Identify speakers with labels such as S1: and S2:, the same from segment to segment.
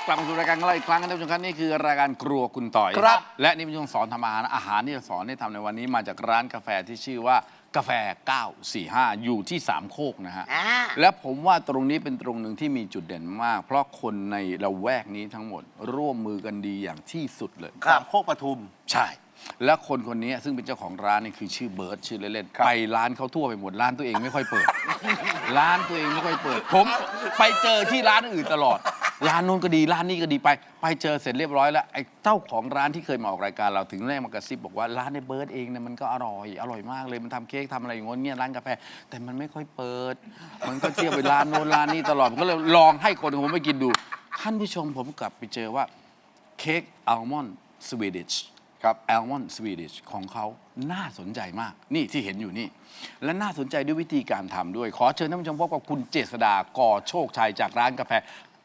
S1: กลับมาสู่รายการของเราอีกครั้งท่านผู้ชมครับนี่คือรายการครัวคุณต่อย
S2: ครับ
S1: และนี่เป็นช่วงสอนทำอาหารที่จะสอนให้ทำในวันนี้มาจากร้านกาแฟที่ชื่อว่ากาแฟ 945 อยู่ที่สามโคกนะฮะและผมว่าตรงนี้เป็นตรงหนึ่งที่มีจุดเด่นมาก เพราะคนในละแวกนี้ทั้งหมดร่วมมือกันดีอย่างที่สุดเลย
S2: สามโคกปทุม
S1: ใช่ และคนคนนี้ซึ่งเป็นเจ้าของร้านนี่คือชื่อเบิร์ตชื่อเล่นๆไปร้านเขาทั่วไปหมดร้านตัวเองไม่ค่อยเปิด ร้านตัวเองไม่ค่อยเปิด ผมไปเจอที่ร้านอื่นตลอด ร้านนู้นก็ดีร้านนี้ก็ดีไปเจอเสร็จเรียบร้อยแล้วไอ้เจ้าของร้านที่เคยมาออกรายการเราถึงได้มากระซิบบอกว่าร้านในเบิร์ตเองเนี่ยมันก็อร่อยมากเลยมันทำเค้กทำอะไรอย่างเงี้ยร้านกาแฟแต่มันไม่ค่อยเปิด มันก็เที่ยวไปร้านโน้นร้านนี้ตลอดผมก็เลยลองให้คนของผมไปกินดูท่านผู้ชมผมกลับไปเจอว่าเค้กอัลมอนด์สวีดิชครับอัลมอนด์สวีดิชของเขาน่าสนใจมากนี่ที่เห็นอยู่นี่และน่าสนใจด้วยวิธีการทำด้วยขอเชิญท่านผู้ชมพบกับคุณเจษฎาก่อโชคชัยจากร้านกาแฟ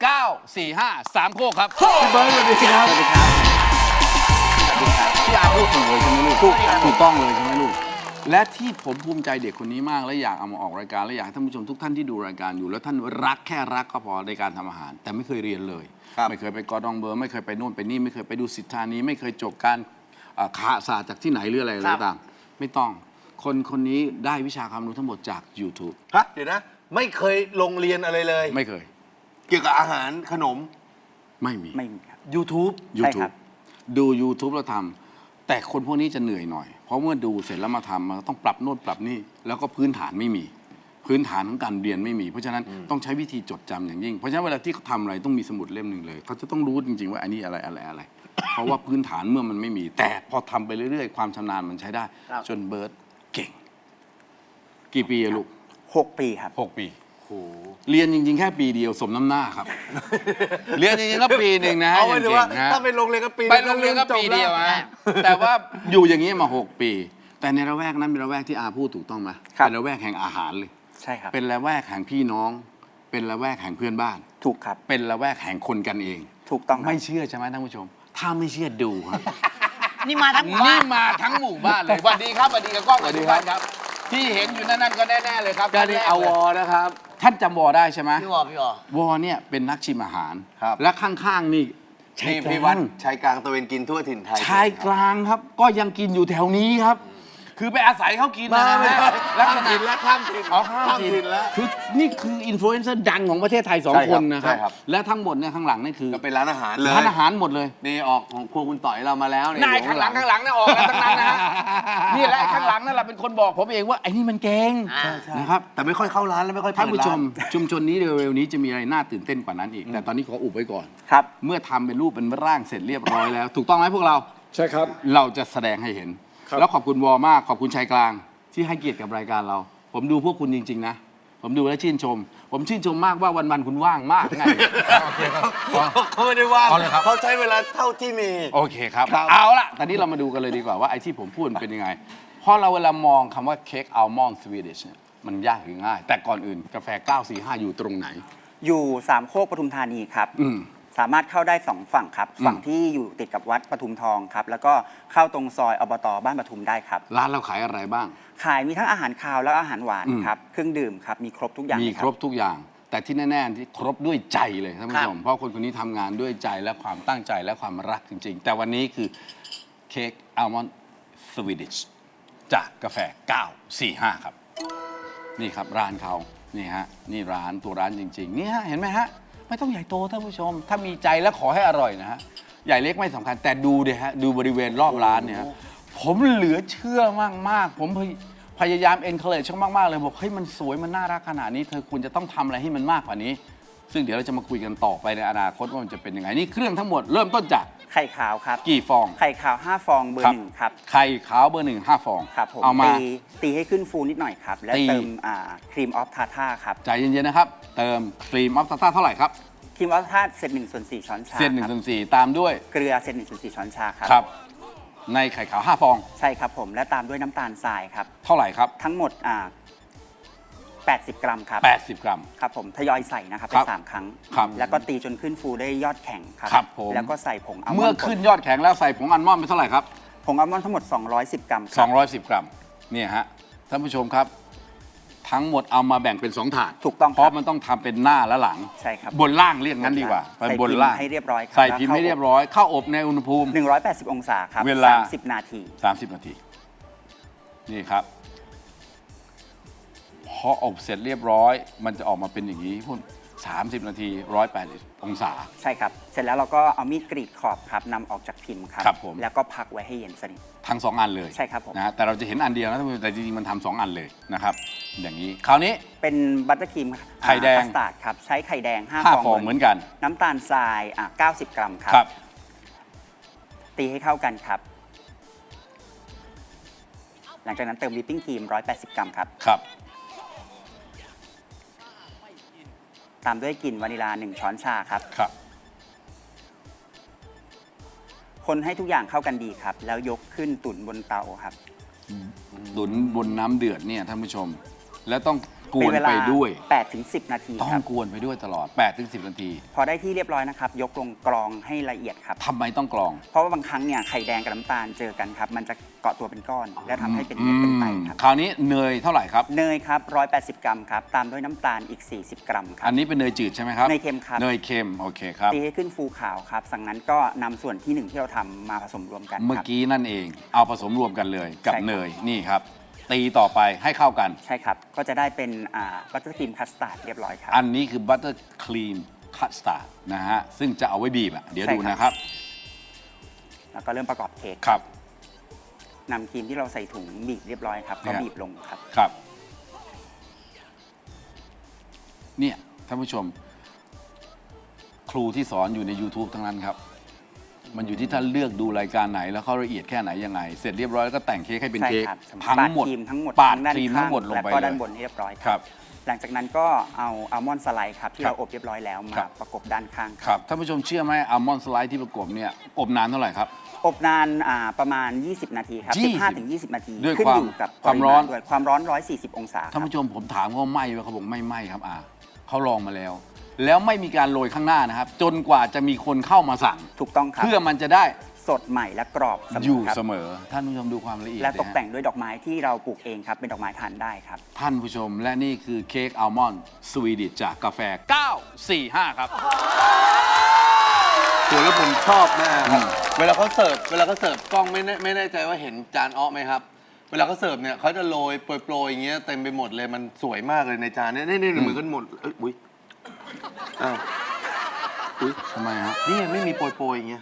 S1: 945 3 โคกครับพี่เบิร์ดสวัสดีครับสวัสดีครับพี่อาพูดถูกเลยใช่ไหมลูกถูกต้องเลยใช่ไหมลูกและที่ผมภูมิใจเด็กคนนี้มากและอยากเอามาออกรายการและอยากให้ท่านผู้ชมทุกท่านที่ดูรายการอยู่แล้วท่านรักแค่รักก็พอในการทำอาหารแต่ไม่เคยเรียนเลยไม่เคยไปกอดองเบอร์ไม่เคยไปโน่นไปนี่ไม่เคยไปดูสิทธานี้ไม่เคยจบการคาศาสตร์จากที่ไหนหรืออะไรต่างๆไม่ต้องคนนี้ได้วิชาความรู้ทั้งหมดจาก YouTube
S2: ฮะเดี๋ยวนะ ไม่เคยลงเรียนอะไรเลย
S1: ไม่เคย
S2: เกี่ยวกับอาหารขนม
S1: ไม่มี
S2: ครับ YouTube
S3: ใช่ครับ
S1: ดู YouTube แล้วทำแต่คนพวกนี้จะเหนื่อยหน่อย เพราะเมื่อดูเสร็จแล้วมาทำมันต้องปรับโน่นปรับนี่แล้วก็พื้นฐานไม่มี พื้นฐานของการเรียนไม่มี เพราะฉะนั้นต้องใช้วิธีจดจำอย่างยิ่ง เพราะฉะนั้นเวลาที่เขาทำอะไรต้องมีสมุดเล่มหนึ่งเลยเขาจะต้องรู้จริงๆว่าอันนี้อะไร เพราะว่าพื้นฐานเมื่อมันไม่มี แต่พอทำไปเรื่อยๆความชำนาญมันใช้ได้ จนเบิร์ตเก่ง กี่ปีอะลูก
S3: 6 ปีครับ
S1: 6 ปีเรียนจริงๆแค่ปีเดียวสมน้ำหน้าครับ เรียนจริงๆก็ปีหนึ่งนะ
S2: เอาไว้ถือว่า
S1: เก่งๆนะ
S2: ถ้าไปโรงเรียนก็ปี
S1: ไปโรงเรียนก็ปีเดียวฮะแต่ว่าอยู่อย่างนี้มา 6 ปี แต่ในระแวกนั้นเป็นระแวกที่อาพูดถูกต้องไหม
S3: ครับ
S1: เป็นระแวกแห่งอาหารเลย
S3: ใช่ครับ
S1: เป็นระแวกแห่งพี่น้อง เป็นระแวกแห่งเพื่อนบ้าน
S3: ถูกครับ
S1: เป็นระแวกแห่งคนกันเอง
S3: ถูกต้องครับ
S1: ไม่เชื่อใช่ไหมท่านผู้ชม ถ้าไม่เชื่อดูครับ
S4: นี่มาทั้งหมู่บ้า
S1: นี่
S4: น
S1: มาทั้งหมู่บ้านเลยสวัสดีครับสวัสดีกับกล้องสวัสดีครับที่เห็นอยู่นั่นก็แน่ๆเลยครับ
S2: ก็นี่อวนะครับ
S1: ท่านจำวอได้ใช่ไหม
S4: พี่วอ
S1: วอเนี่ยเป็นนักชิมอาหาร
S2: ครับ
S1: และข้างๆนี่ชาย
S2: นี่
S1: ก
S2: พี่
S1: ลา
S2: วัด
S1: ง
S2: ชายกลางตะเวนกินทั่วถิ่นไทย
S1: ชายกลางครับ ก็ยังกินอยู่แถวนี้ครับ คือไปอาศัยเขากินนะ
S2: ไม่
S1: ฮะลักษ
S2: ข้าม
S1: ณะ
S2: ถิ่นแล้วข้ามถิ่น
S1: อ๋อข้าม
S2: ข้าม
S1: ถิ่
S2: ถิ่
S1: น
S2: นแล้ว
S1: คือนี่คืออินฟลูเอนเซอร์ดังของประเทศไทย
S2: ใช่
S1: 2 คนนะครับ
S2: ใช่ครับ
S1: และทั้งหมดเนี่ยข้างหลังนี่คือ
S2: ก็เป็นร้านอาหารเลย
S1: ร้านอาหารหมดเลย
S2: นี่ออกของครัวคุณต่อยเรามาแล้วเนี่ย
S1: นายข้างหลังนะออกกันทั้งนั้นนะฮะนี่แหละไอ้ข้างหลังนั่นแหละเป็นคนบอกผมเองว่าไอ้นี่มันเก่งนะครับ
S2: แต่ไม่ค่อยเข้าร้านแล้วไม่ค่อยเปิด
S1: ท่านผู้ชม
S2: ร้
S1: ชุมชนนี้เร็วๆนี้จะมีอะไรน่าตื่นเต้นกว่านั้นอีก แต่ตอนนี้ขออุบไว้ก่อน
S3: ครับ
S1: เมื่อทำเป็นรูปเป็นร่างเสร็จเรียบร้อยแล้ว ถูกต้องไหมพวกเรา
S5: ใช่ครับ
S1: เราจะแสดงให้เห็น
S5: ครับ
S1: แล้วขอบคุณวอมากขอบคุณชายกลางที่ให้เกียรติกับรายการเรา ผมดูพวกคุณจริง ๆ นะ ผมดูแล้วชื่นชม ผมชื่นชมมากว่าวันๆคุณว่างมากไง
S2: เขาไม่ได้ว่าง
S1: อ๋อเหรอครับ
S2: เขาใช้เวลาเท่าที่มี
S1: โอเคครับ
S2: ครับ
S1: เอาละตอนนี้เรามาดูกันเลยดีกว่าว่าไอ้ที่ผมพูดมันเป็นยังไงเพราะเราเวลามองคำว่าเค้กอัลมอนด์สวีดิชเนี่ยมันยากหรือง่าย แต่ก่อนอื่นกาแฟ 945 อยู่ตรงไหน
S3: อยู่สามโคกปทุมธานีครับ
S1: อืม
S3: สามารถเข้าได้ 2 ฝั่งครับ ฝั่งที่อยู่ติดกับวัดปทุมทองครับ แล้วก็เข้าตรงซอยอบตบ้านปทุมได้ครับ
S1: ร้านเราขายอะไรบ้าง
S3: ขายมีทั้งอาหารคาวและอาหารหวาน
S1: อืม
S3: ครับ เครื่องดื่มครับ มีครบทุกอย่าง
S1: มี
S3: เลย
S1: ครบทุกอย่าง แต่ที่แน่ๆที่ครบด้วยใจเลยท่านผู้ชมเพราะคนคนนี้ทำงานด้วยใจและความตั้งใจและความรักจริง ๆ แต่วันนี้คือเค้กอัลมอนด์สวีดิชจากกาแฟ 945 ครับ นี่ครับร้านเขานี่ฮะนี่ร้านตัวร้านจริง ๆ นี่ฮะเห็นไหมฮะ ไม่ต้องใหญ่โตท่านผู้ชม ถ้ามีใจและขอให้อร่อยนะฮะใหญ่เล็กไม่สำคัญแต่ดูดิฮะดูบริเวณรอบร้านเนี่ยฮะผมเหลือเชื่อมากๆผมพยายามเอ็นเคอร์เรจช่างมากๆเลยบอกเฮ้ยมันสวยมันน่ารักขนาดนี้เธอควรจะต้องทำอะไรให้มันมากกว่านี้ ซึ่งเดี๋ยวเราจะมาคุยกันต่อไปในอนาคตว่ามันจะเป็นยังไงนี่เครื่องทั้งหมดเริ่มต้นจาก
S3: ไข่ขาวครับ
S1: กี่ฟอง
S3: ไข่ขาว 5 ฟองเบอร์ 1 ครับ
S1: ไข่ขาวเบอร์ 1 5 ฟอง
S3: ครับผม
S1: เอามา
S3: ตีให้ขึ้นฟูนิดหน่อยครับ และ
S1: ตี
S3: เติมครีมออฟทาท่าครับ
S1: ใจเย็นๆนะครับเติมครีมออฟตาต้าเท่าไหร่ครับ
S3: ครีมออฟทาท่าเศษ1/4 ช้อนชา
S1: เส้น
S3: ครับ
S1: 1/4ตามด้วย
S3: เกลือเศษ1/4 ช้อนชาครับ
S1: ครับ ในไข่ขาว 5 ฟอง
S3: ใช่ครับผม และตามด้วยน้ำตาลทรายครับ
S1: เท่าไหร่ครับ
S3: ทั้งหมด80 กรัมครับ
S1: 80 กรัม
S3: ครับผมทยอยใส่นะครับ
S1: ค
S3: ไป
S1: รับ
S3: 3 ครั้ง
S1: ครับ
S3: แล้วก็ตีจนขึ้นฟูได้ยอดแข็งครับ
S1: ครับผม
S3: แล้วก็ใส่ผงอัลมอนด์
S1: เมื่อขึ้นยอดแข็งแล้วใส่ผงอัลมอนด์ไปเท่าไหร่ครับ
S3: ผงอัลมอนด์ทั้งหมด210 กรัมครับ
S1: 210 กรัมเนี่ยฮะท่านผู้ชมครับทั้งหมดเอามาแบ่งเป็น2ถาด
S3: ถูกต้องครับ
S1: เพราะมันต้องทำเป็นหน้าและหลัง
S3: ใช่ครับ
S1: บนล่างเรียกงั้นดีกว่า
S3: ใส่
S1: บนล่าง
S3: พิมพ์ให้เรียบร้อยครับ
S1: ใส่พิมพ์ให้เรียบร้อยเข้าอบในอุณหภูมิ
S3: 180 องศาครับ
S1: เวลา
S3: 30 นาที
S1: 30 นาที นี่ครับ พออบเสร็จเรียบร้อย มันจะออกมาเป็นอย่างนี้พุ่น30 นาที 180 องศา
S3: ใช่ครับ เสร็จแล้วเราก็เอามีดกรีดขอบครับนำออกจากพิมพ์ครับ
S1: ครับผม
S3: แล้วก็พักไว้ให้เย็นสนิท
S1: ทั้ง 2 อันเลย
S3: ใช่ครับผม
S1: นะฮะแต่เราจะเห็นอันเดียวนะท่านผู้ชมแต่จริงๆมันทำ2 อันเลยนะครับ อย่างนี้ คราวนี้
S3: เป็นบัตเตอร์ครีม
S1: ไข่แดง
S3: คัสตาร์ดครับ ใช้ไข่แดง 5
S1: 5
S3: ฟ
S1: ฟ
S3: อ
S1: อง งเหมือนกัน
S3: น้ำตาลทราย90 กรัมครับ
S1: ครับ
S3: ตีให้เข้ากันครับ หลังจากนั้นเติมวิปปิ้งครีม 180 กรัมครับ
S1: ครับ
S3: ตามด้วยกลิ่นวานิลา 1 ช้อนชาครับ
S1: ครับ
S3: คนให้ทุกอย่างเข้ากันดีครับ แล้วยกขึ้นตุ๋นบนเตาครับ
S1: ตุ๋นบนน้ำเดือดเนี่ยท่านผู้ชม แล้วต้องก
S3: เป็
S1: วน
S3: เวลา
S1: ไปด้วย
S3: 8-10 นาที
S1: ต้อ
S3: ครั
S1: ง
S3: บ
S1: กวนไปด้วยตลอด 8-10 นาที
S3: พอได้ที่เรียบร้อยนะครับ ยกลงกรองให้ละเอียดครับ
S1: ทำไมต้องกรอง
S3: เพราะว่าบางครั้งเนี่ยไข่แดงกับน้ำตาลเจอกันครับ มันจะเกาะตัวเป็นก้อน และทำให้เป็นเม็ดเป็นไตครับ
S1: คราวนี้เนยเท่าไหร่ครับ
S3: เนยครับ 180 กรัมครับ ตามด้วยน้ำตาลอีก 40 กรัมครั
S1: อั
S3: บ
S1: นนี้เป็นเนยจืดใช่ไหมครับ
S3: เนยเค็มครับ
S1: เนยเค็ม โอเคครับ
S3: ตีให้ขึ้นฟูขาวครับจากนั้นก็นำส่วนที่หนึ่งที่เราทำมาผสมรวมกัน
S1: เมื่อ
S3: ครับ
S1: กี้นั่นเอง เอาผสมรวมกันเลยกับ
S3: ใช่ครับ
S1: เนย นี่ครับ ตีต่อไปให้เข้ากัน
S3: ใช่ครับ ก็จะได้เป็นบัตเตอร์ครีมคัสตาร์ดเรียบร้อยครับ
S1: อันนี้คือบัตเตอร์ครีมคัสตาร์ดนะฮะ ซึ่งจะเอาไว้บีบอ่ะ เดี๋ยว
S3: ใช่
S1: ดู
S3: ครับ
S1: นะครับ
S3: แล้วก็เริ่มประกอบเค้ก
S1: ครับ
S3: นำครีมที่เราใส่ถุงบีบเรียบร้อยครับก็
S1: เนี่ย
S3: บีบลงครับ
S1: ครับ เนี่ยท่านผู้ชม ครูที่สอนอยู่ใน YouTube ทั้งนั้นครับ มันอยู่ที่ท่านเลือกดูรายการไหนแล้วเขาละเอียดแค่ไหนยังไง เสร็จเรียบร้อยแล้วก็แต่งเค้กให้เป็น
S3: ใช่
S1: เค้ก
S3: ครับ
S1: ทั้งหมด
S3: ปาดครีมทั้งหมด
S1: ปาด
S3: ด้าน
S1: ครีม
S3: ข้า
S1: ทั้งหมดลง
S3: แล้ว
S1: ไป
S3: ก็
S1: เล
S3: ด้าน
S1: ย
S3: บนให้เรียบร้อย
S1: ครับ
S3: หลังจากนั้นก็เอาอัลมอนด์สไลด์ครับที่
S1: ครับ
S3: เราอบเรียบร้อยแล้วมา
S1: ครับ
S3: ประกบด้านข้าง
S1: ครับท่านผู้ชมเชื่อไหมอัลมอนด์สไลด์ที่ประกบเนี่ยอบนานเท่าไหร่ครับ
S3: อบนานประมาณ 20 นาทีครับ
S1: 20
S3: 15-20 นาที
S1: ด้วย
S3: ขึ้น
S1: ความ
S3: อยู่กับ
S1: ความร้อน
S3: ปริมณด้วยความร้อน 140 องศาค
S1: ท่าน
S3: รับ
S1: ผู้ชมผมถามเขาว่าไหม้ไหมเขาบอกไม่ไหม้ครับเขาลองมาแล้ว แล้วไม่มีการโรยข้างหน้านะครับ จนกว่าจะมีคนเข้ามาสั่ง
S3: ถูกต้องครับ
S1: เพื่อมันจะได้
S3: สดใหม่และกรอบเสม
S1: อยู่
S3: อครับ
S1: เสมอ ท่านผู้ชมดูความละเอียด
S3: และตก
S1: นะฮะ
S3: แต่งด้วยดอกไม้ที่เราปลูกเองครับ เป็นดอกไม้ทานได้ครับ
S1: ท่านผู้ชมและนี่คือเค้กอัลมอนด์สวีดิชจากกาแฟ 945 ครับ
S2: ตัวแล้วผมชอบมากครับ
S1: อืม
S2: เวลาเขาเสิร์ฟกล้องไม่แน่ใจว่าเห็นจานอ้อไหมครับ เวลาเขาเสิร์ฟเนี่ยเขาจะโรยโปรยๆอย่างเงี้ยเต็มไปหมดเลยมันสวยมากเลยในจานเนี่ยนี่เหมือนกันหมดเอ้ยอุ้ยอ้าวอุ้ย
S1: ทำไมฮะ
S2: นี่ไม่มีโปรยๆอย่างเงี้ย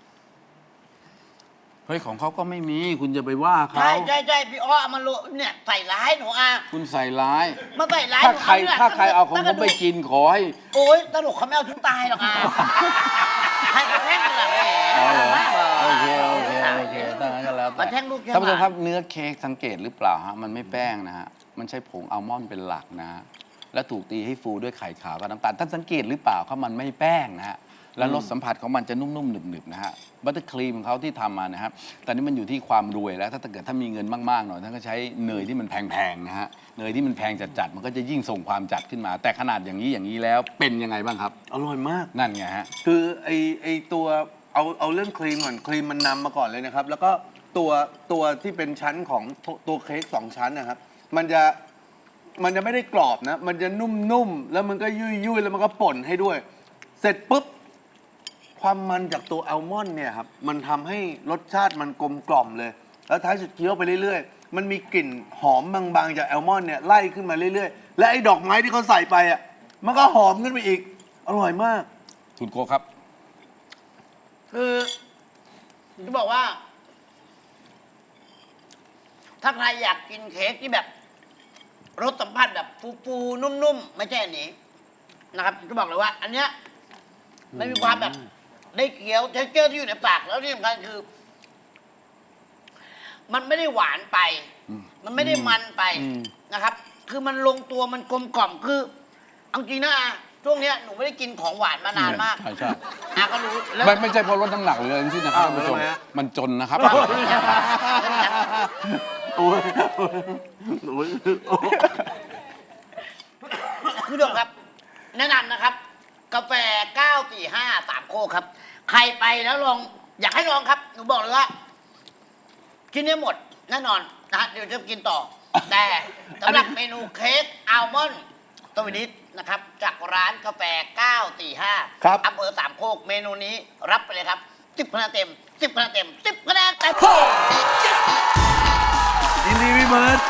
S1: เฮ้ยของเขาก็ไม่มีคุณจะไปว่าเขา
S4: ใช่พี่อ้อเอามาโรยเนี่ยใส่ร้ายหนูอ่ะ
S1: คุณใส่ร้าย
S4: มาใส่ร้าย
S1: ถ้า
S4: หนู
S1: ใคร
S4: เนี่ย
S1: ถ้าใครเอาของผมไปกินขอให้
S4: โอ๊ยตลกเขาไม่เอาถึงตายหรอกอ่ะใครกระแทกกันล่ะแหม
S1: เอาเหรอ
S4: มากเลย
S1: โอเคถ้างั้นก็แล้วแต่
S4: มาแท่งลูกแค่
S1: ท่านผู้ชม
S4: บาท
S1: ครับเนื้อเค้กสังเกตหรือเปล่าฮะมันไม่แป้งนะฮะมันใช้ผงอัลมอนด์เป็นหลักนะฮะและถูกตีให้ฟูด้วยไข่ขาวกับน้ำตาลท่านสังเกตหรือเปล่าครับมันไม่แป้งนะฮะและรสสัมผัสของมันจะนุ่มๆหนึบๆนะฮะบัตเตอร์ครีมของเขาที่ทำมานะครับตอนนี้มันอยู่ที่ความรวยแล้วถ้าเกิดถ้ามีเงินมากๆหน่อยท่านก็ใช้เนยที่มันแพงๆนะฮะเนยที่มันแพงจัดๆมันก็จะยิ่งส่งความจัดขึ้นมา แต่ขนาดอย่างนี้แล้วเป็นยังไงบ้างครับ
S2: อร่อยมาก
S1: นั่นไงฮะ
S2: คือไอตัวเอาเรื่องครีมก่อนครีมมันนำมาก่อนเลยนะครับ แล้วก็ตัวที่เป็นชั้นของตัวเค้ก2 ชั้นนะครับ มันจะไม่ได้กรอบนะ มันจะนุ่มๆแล้วมันก็ยุ่ยๆแล้วมันก็ป่นให้ด้วย เสร็จปุ๊บความมันจากตัวอัลมอนด์เนี่ยครับมันทำให้รสชาติมันกลมกล่อมเลย แล้วท้ายสุดเคี้ยวไปเรื่อยๆมันมีกลิ่นหอมบางๆจากอัลมอนด์เนี่ยไล่ขึ้นมาเรื่อยๆและไอ้ดอกไม้ที่เขาใส่ไปอ่ะมันก็หอมขึ้นไปอีกอร่อยมาก
S1: คุณโกครับ
S4: คือจะบอกว่า ถ้าใครอยากกินเค้กที่แบบรสสัมผัสแบบฟูๆนุ่มๆไม่ใช่อันนี้นะครับจะบอกเลยว่า อันเนี้ยไม่มีความแบบได้เคี้ยวเทคเจอร์ที่อยู่ในปากแล้วที่สำคัญคือ มันไม่ได้หวานไป มันไม่ได้มันไปนะครับ คือมันลงตัวมันกลมกล่อมคือเอาจริงนะอาช่วงเนี้ยหนูไม่ได้กินของหวานมานานมาก
S1: ใช่
S4: อาก็รู้แล้ว
S1: ไม่ใช่เพราะลดน้ำหนักหรืออะไรทั้งสิ้นนะครับ
S2: อ้าว
S1: ท่านผู้ชม
S2: ทำไมฮะ
S1: มันจนนะครับ
S2: โอ้ยโอ้ย
S4: คุณผู้ชมครับ แนะนำนะครับ กาแฟ 945 3 โคกครับ ใครไปแล้วลอง อยากให้ลองครับ หนูบอกเลยว่ากินได้หมดแน่นอนนะฮะเดี๋ยวจะกินต่อแต่สำหรับเมนูเค้กอัลมอนด์สวีทนะครับ จากร้านกาแฟ 945
S2: ครับ
S4: อำเภอสามโคกเมนูนี้รับไปเลยครับ 10 คะแนนเต็ม 10 คะแนนเต็ม 10 คะแนนเต็ม
S2: ยินดีพี่เบิร์ด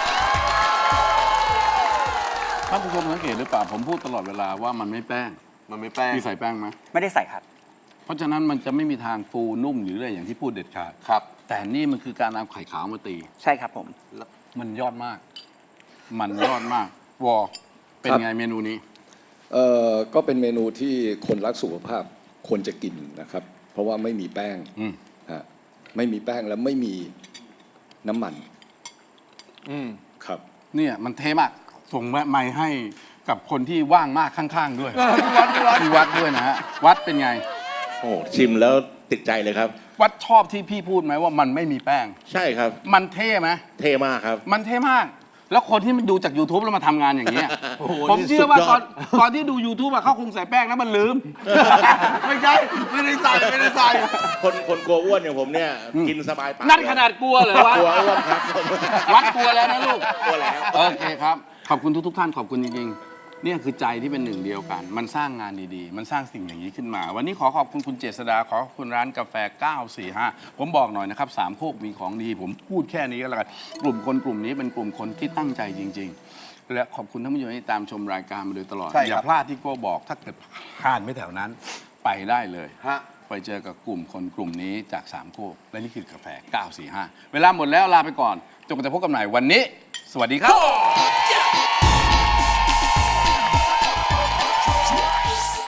S1: ท่านผู้ชมสังเกตหรือเปล่าผมพูดตลอดเวลาว่ามันไม่แป้ง
S2: มันไม่แป้ง
S1: มีใส่แป้งไหม
S3: ไม่ได้ใส่ครับ
S1: เพราะฉะนั้นมันจะไม่มีทางฟูนุ่มหรืออะไรอย่างที่พูดเด็ดขาด
S2: ครับ
S1: แต่นี่มันคือการเอาไข่ขาวมาตี
S3: ใช่ครับผม
S1: มันยอดมาก มันยอดมาก วอเป็นไงเมนูนี้
S5: ก็เป็นเมนูที่คนรักสุขภาพควรจะกินนะครับ เพราะว่าไม่มีแป้ง
S1: อืม
S5: ฮะไม่มีแป้งและไม่มีน้ำมัน
S2: อืม
S5: ครับ
S1: เนี่ยมันเทมาก ส่งไม้ให้กับคนที่ว่างมากข้างๆด้วย ที่วัดด้วยนะฮะ วัดเป็นไง
S6: โอ้ชิมแล้วติดใจเลยครับ
S1: วัดชอบที่พี่พูดไหมว่ามันไม่มีแป้ง
S6: ใช่ครับ
S1: มันเท่ไหม
S6: เท่มากครับ
S1: มันเท่มาก แล้วคนที่มันดูจาก YouTube แล้วมาทำงานอย่างเงี้ย
S2: โอ้โห
S1: ผมเชื่อว่า
S6: นี่สุดยอด
S1: ตอนที่ดู YouTube อะเขาคงใส่แป้งแล้วมันลืม
S2: ไม่ใช่ไม่ได้ใส่ไม่ได้ใส่
S6: คนกลัวอ้วนอย่างผมเนี่ย กินสบายปาก
S1: นั่นขนาดกลัวเหรอวะ
S6: กลัวอ้วนครับ
S1: วัดกลัวแล้วนะลูก
S6: กลัวแล้ว
S1: โอเคครับ ขอบคุณทุกๆท่านขอบคุณจริงๆเนี่ยคือใจที่เป็นหนึ่งเดียวกัน มันสร้างงานดีๆ มันสร้างสิ่งอย่างนี้ขึ้นมา วันนี้ขอขอบคุณคุณเจษดาขอขอบคุณร้านกาแฟ 945 ผมบอกหน่อยนะครับสามโคกมีของดี ผมพูดแค่นี้ก็แล้วกันกลุ่มคนกลุ่มนี้เป็นกลุ่มคนที่ตั้งใจจริง ๆ และขอบคุณท่านผู้ชมที่ตามชมรายการมาโดยตลอด
S2: ใช่ครับ
S1: อย่าพลาดที่โก้บอกถ้าเกิดผ่านไม่แถวนั้นไปได้เลย
S2: ฮะ
S1: ไปเจอกับกลุ่มคนกลุ่มนี้จากสามโคกและนี่คือกาแฟ 945 เวลาหมดแล้วลาไปก่อนจนกว่าจะพบกันใหม่วันนี้ สวัสดีครับ